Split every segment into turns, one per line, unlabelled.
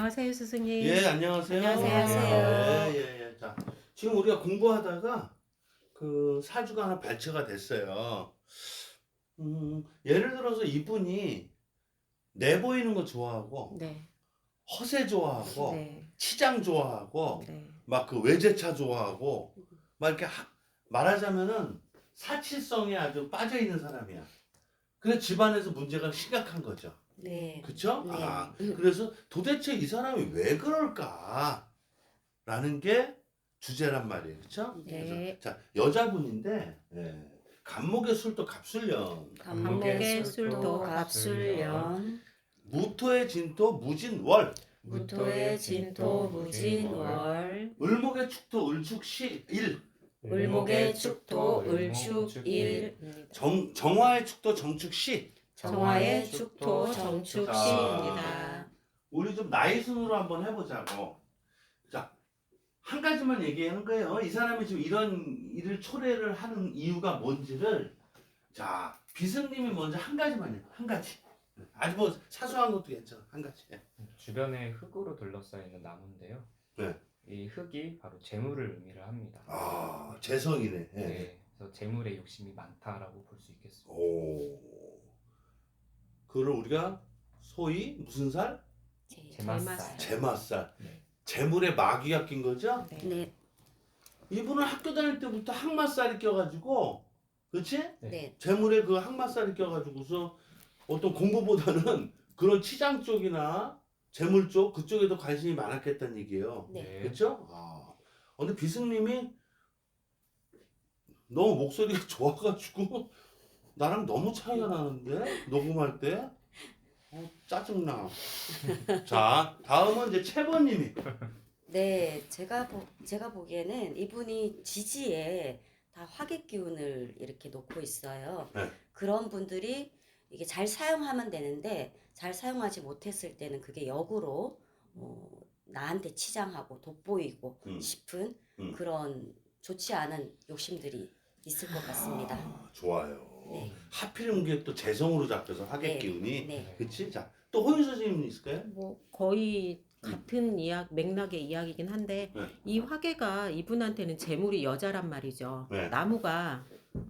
안녕하세요, 스승님.
예, 안녕하세요.
안녕하세요.
예. 자, 지금 우리가 공부하다가 그 사주가 하나 발췌가 됐어요. 예를 들어서 이분이 내보이는 거 좋아하고,
네,
허세 좋아하고,
네,
치장 좋아하고,
네,
막 그 외제차 좋아하고, 막 이렇게 말하자면은 사치성에 아주 빠져 있는 사람이야. 그래서 집안에서 문제가 심각한 거죠.
네.
그쵸?
네.
그래서 도대체 이 사람이 왜 그럴까? 라는 게 주제란 말이에요. 그쵸?
네.
그래서, 자, 여자분인데, 예, 간목의 술도 갑술령,
간목의 술도
갑술년,
무토의 진토 무진월,
무토의 진토 무진월,
을목의 축토 을축시일,
을목의 축토 을축일,
정화의 축토 정축시.
정화의 축토 정축시입니다.
우리 좀 나이 순으로 한번 해보자고. 자, 한 가지만 얘기하는 거예요. 이 사람이 지금 이런 일을 초래를 하는 이유가 뭔지를. 자, 비승님이 먼저 한 가지만요. 한 가지. 아주 뭐 사소한 것도 괜찮아. 한 가지.
주변에 흙으로 둘러싸여 있는 나무인데요.
네.
이 흙이 바로 재물을 의미를 합니다.
아, 재성이네. 예.
네, 그래서 재물에 욕심이 많다라고 볼 수 있겠습니다.
오. 그걸 우리가 소위 무슨 살?
제맛살.
재맛살.
네.
재물에 마귀가 낀 거죠?
네.
이분은 학교 다닐 때부터 항마살이 껴가지고, 그렇지?
네.
재물에 그 항마살이 껴가지고서 어떤 공부보다는 그런 치장 쪽이나 재물 쪽 그쪽에 더 관심이 많았겠다는 얘기예요.
네.
그렇죠? 근데 비승님이 너무 목소리가 좋아가지고 나랑 너무 차이가 나는데 녹음할 때 짜증나. 자, 다음은 이제 채번님이.
네, 제가 보기에는 이분이 지지에 다 화기 기운을 이렇게 놓고 있어요.
네.
그런 분들이 이게 잘 사용하면 되는데 잘 사용하지 못했을 때는 그게 역으로 나한테 치장하고 돋보이고
음.
싶은
음.
그런 좋지 않은 욕심들이 있을 것 같습니다.
좋아요.
네.
하필이면 그게 또 재성으로 잡혀서 화객
네.
기운이.
네.
그치? 자, 또 호윤 선생님 있을까요?
뭐 거의 같은 맥락의 이야기긴 한데
네.
이 화계가 이분한테는 재물이 여자란 말이죠.
네.
나무가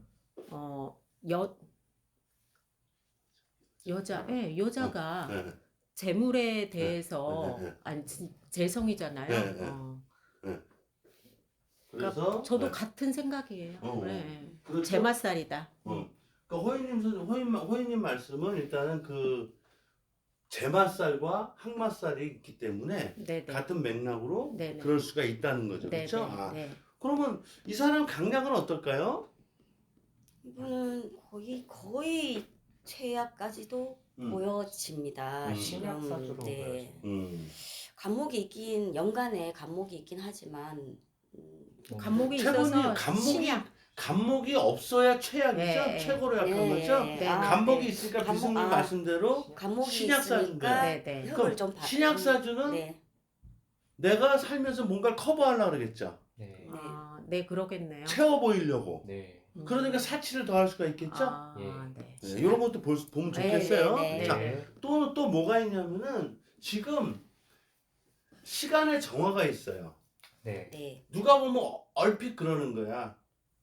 여자가
네.
재물에 대해서
네.
아니 재성이잖아요.
네.
그러니까
그래서
저도 같은 생각이에요. 네.
그렇죠?
제맛살이다.
그러니까 호인님 말씀은 일단은 그 제맛살과 항맛살이 있기 때문에
네네.
같은 맥락으로
네네.
그럴 수가 있다는 거죠.
네네.
그렇죠?
네.
그러면 이 사람 강약은 어떨까요?
이분은 거의 최악까지도 보여집니다.
신약 사주로
네.
보여집니다.
간목이 연간에 간목이 있긴 하지만
간목이
최고님
있어서 신약.
간목이 없어야 최악이죠.
네.
최고로 약한
네.
거죠.
네.
간목이 있으니까
간목,
비승님 말씀대로
간목이
신약
있으니까
사주인데.
네.
흙을 좀
신약 사주는
네.
내가 살면서 뭔가를 커버하려고 그러겠죠.
네.
네, 그러겠네요.
채워 보이려고.
네.
그러니까 사치를 더할 수가 있겠죠.
네.
네, 이런 것도 보면 좋겠어요.
네.
자,
네.
또 뭐가 있냐면은 지금 시간의 정화가 있어요.
네.
네.
누가 보면 얼핏 그러는 거야.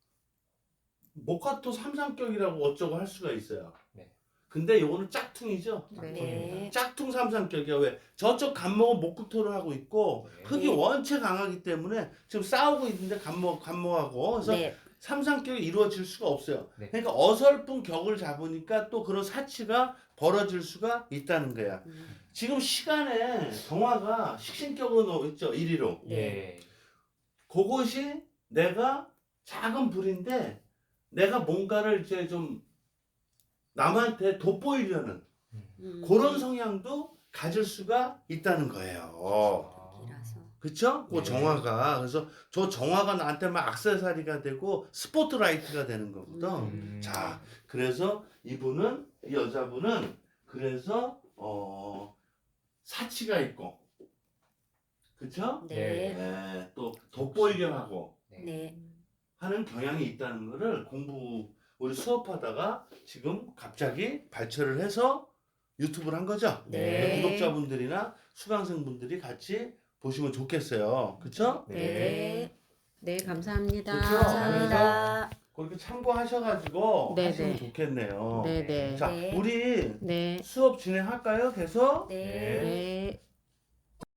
목화토 삼상격이라고 어쩌고 할 수가 있어요.
네.
근데 요거는 짝퉁이죠.
네.
짝퉁 삼상격이야. 왜? 저쪽 간목은 목국토를 하고 있고
네.
흙이 원체 강하기 때문에 지금 싸우고 있는데 간목하고 그래서
네.
삼상격이 이루어질 수가 없어요.
네.
그러니까 어설픈 격을 잡으니까 또 그런 사치가 벌어질 수가 있다는 거야. 지금 시간에 정화가 식신격으로 있죠. 이리로.
네.
그것이 내가 작은 불인데 내가 뭔가를 이제 좀 남한테 돋보이려는 그런 성향도 가질 수가 있다는 거예요.
이라서.
그쵸? 그
네.
정화가. 그래서 저 정화가 나한테 막 액세서리가 되고 스포트라이트가 되는 거거든. 자, 그래서 이 여자분은 그래서 사치가 있고, 그쵸?
네.
네, 또 돋보이려 하고
네.
하는 경향이 있다는 거를 우리 수업하다가 지금 갑자기 발췌를 해서 유튜브를 한 거죠?
네.
구독자분들이나 수강생분들이 같이 보시면 좋겠어요. 그쵸?
네.
네, 감사합니다.
그쵸?
감사합니다.
그렇게 참고하셔가지고
네,
하시면
네.
좋겠네요.
네, 네.
자,
네.
우리
네.
수업 진행할까요? 계속?
네.
네.